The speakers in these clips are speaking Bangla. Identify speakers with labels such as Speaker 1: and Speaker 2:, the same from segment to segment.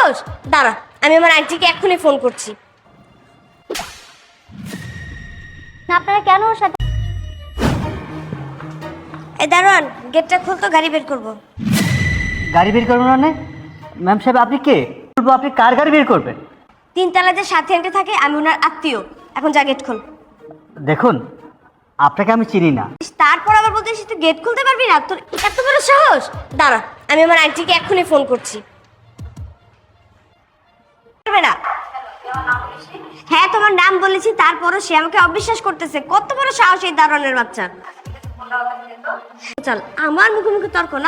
Speaker 1: সাহস? দাঁড়া, আমি আমার আন্টিকে এক্ষুনি ফোন করছি।
Speaker 2: আপনারা কেন ওর সাথে?
Speaker 1: এই দারোয়ান, গেটটা খুল তো, গাড়ি বের করবো।
Speaker 3: গাড়ি বের করবেন মানে? ম্যাম সাহেব আপনি কে? বলবো আপনি কার গাড়ি বের করবেন?
Speaker 1: তিনতলা যে সাথে আন্টি থাকে, আমি ওনার আত্মীয়। এখন যা, গেট খোল।
Speaker 3: দেখুন, আপনাকে আমি চিনি না।
Speaker 1: তারপর আবার বলতেছিস তুই গেট খুলতে পারবি না? তোর এত বড় সাহস? দাঁড়া, আমি আমার আন্টিকে এক্ষুনি ফোন করছি। পারবে না? হ্যাঁ, তোমার নাম বলেছি, তারপরও সে আমাকে অবিশ্বাস করতেছে। কত বড় সাহস এই দারোয়ানের বাচ্চা! চল, আমার মুখে মুখে তর্ক না।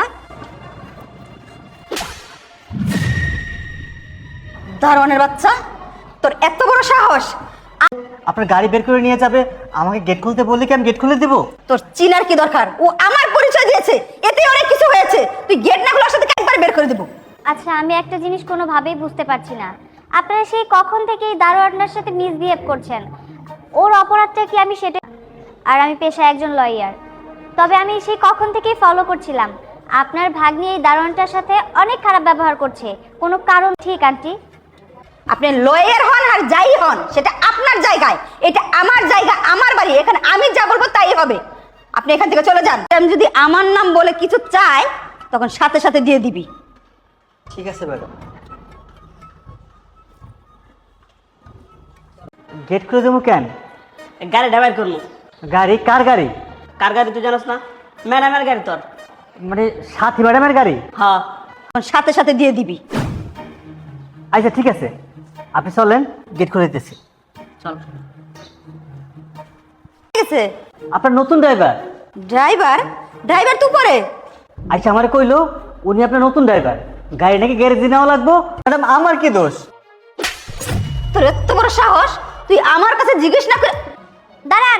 Speaker 4: দারোয়ানের বাচ্চা, তোর এত বড় সাহস!
Speaker 3: আপনার গাড়ি বের করে নিয়ে যাবে, আমাকে গেট খুলতে বললে কি আমি গেট খুলে দেবো?
Speaker 4: তোর চিনার কি দরকার? ও আমার পরিচয় দিয়েছে, এতে অনেক কিছু হয়েছে। তুই গেট না খুলে ওর সাথে একবারে বের করে দেবো।
Speaker 2: আচ্ছা, আমি একটা জিনিস কোনোভাবেই বুঝতে পারছি না। আপনারা সেই কখন থেকে এই দারোয়ানটার সাথে মিসবিহেভ করছেন? ওর অপরাধটা কি আমি সেটা, আর আমি পেশায় একজন লয়ার। তবে আমি সেই কখন থেকেই ফলো করছিলাম আপনার ভাগ্নি এই দারোয়ানটার সাথে অনেক খারাপ ব্যবহার করছে। কোনো কারণ ঠিক আন্টি?
Speaker 4: আপনি লয়ার হন আর যাই হন, সেটা আপনার জায়গায়, এটা আমার জায়গা, আমার বাড়ি। এখানে আমি যা বলবো তাই হবে। আপনি এখান থেকে চলে যান। আমি যদি আমার নাম বলে কিছু চাই, তখন সাথে সাথে দিয়ে দিবি।
Speaker 3: ঠিক আছে ম্যাডাম। গেট খুলে দেবো কেন?
Speaker 5: গাড়িটা বের করবো।
Speaker 3: গাড়ি? কার গাড়ি?
Speaker 5: কার গাড়ি তুই জানাস না? ম্যাডামের গাড়ি তোর।
Speaker 3: মানে সাথী ম্যাডামের গাড়ি?
Speaker 5: হ্যাঁ।
Speaker 4: তখন সাথে সাথে দিয়ে দিবি।
Speaker 3: আচ্ছা ঠিক আছে, আপনি চলেন, গেট খুলে দিতেছি।
Speaker 5: চল।
Speaker 4: ঠিক আছে।
Speaker 3: আপনার নতুন ড্রাইভার?
Speaker 4: ড্রাইভার? ড্রাইভার তুই পরে?
Speaker 3: আচ্ছা, আমার কইলো উনি আপনার নতুন ড্রাইভার, গাড়ি নাকি গ্যারেজে নেওয়া লাগবো। ম্যাডাম আমার কি দোষ?
Speaker 4: তোর এত বড় সাহস, তুই আমার কাছে জিজ্ঞেস না করে
Speaker 2: দাঁড়ান।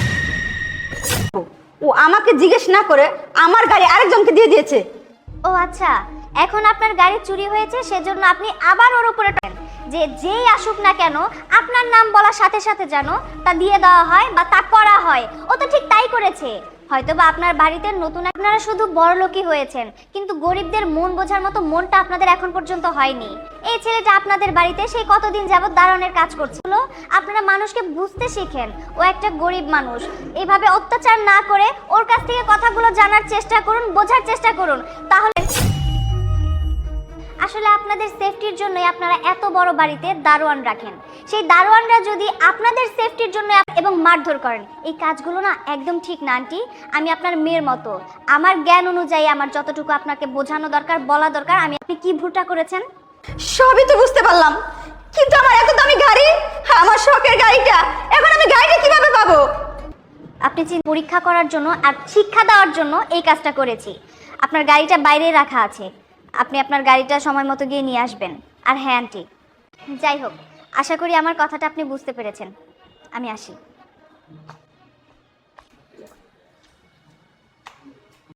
Speaker 4: ও আমাকে জিজ্ঞেস না করে আমার গাড়ি আরেকজনকে দিয়ে দিয়েছে।
Speaker 2: ও আচ্ছা, এখন আপনার গাড়ি চুরি হয়েছে, সেজন্য আপনি আবার ওর উপরে টানেন যে যেই আসুক না কেন আপনার নাম বলার সাথে সাথে যেন তা দিয়ে দেওয়া হয় বা তা করা হয়। ও তো ঠিক তাই করেছে। হয়তোবা আপনার বাড়িতে নতুন, আপনারা শুধু বড়লোকই হয়েছেন, কিন্তু গরিবদের মন বোঝার মতো মনটা আপনাদের এখন পর্যন্ত হয়নি। এই ছেলেটা আপনাদের বাড়িতে সেই কতদিন যাবত দারোয়ানের কাজ করছিল। আপনারা মানুষকে বুঝতে শিখেন, ও একটা গরিব মানুষ। এইভাবে অত্যাচার না করে ওর কাছ থেকে কথাগুলো জানার চেষ্টা করুন, বোঝার চেষ্টা করুন। তাহলে আসলে আপনাদের সেফটির জন্যই আপনারা এত বড় বাড়িতে দারোয়ান রাখেন। সেই দারোয়ানরা যদি আপনাদের সেফটির জন্য এবং মারধর করেন, এই কাজগুলো না একদম ঠিক না আন্টি। আমি আপনার মেয়ের মতো, আমার জ্ঞান অনুযায়ী আমার যতটুকু আপনাকে বোঝানো দরকার, বলা দরকার, আপনি কি ভুলটা করেছেন
Speaker 4: সবই তো বুঝতে পারলাম, কিন্তু আমার এত দামি গাড়ি, আমার শখের গাড়িটা, এখন আমি গাড়িটা কিভাবে পাবো?
Speaker 2: আপনি পরীক্ষা করার জন্য আর শিক্ষা দেওয়ার জন্য এই কাজটা করেছি। আপনার গাড়িটা বাইরে রাখা আছে, আপনি আপনার গাড়িটা সময় মতো গিয়ে নিয়ে আসবেন। আর হ্যাঁ আন্টি, যাই হোক, আশা করি আমার কথাটা আপনি বুঝতে পেরেছেন। আমি আসি।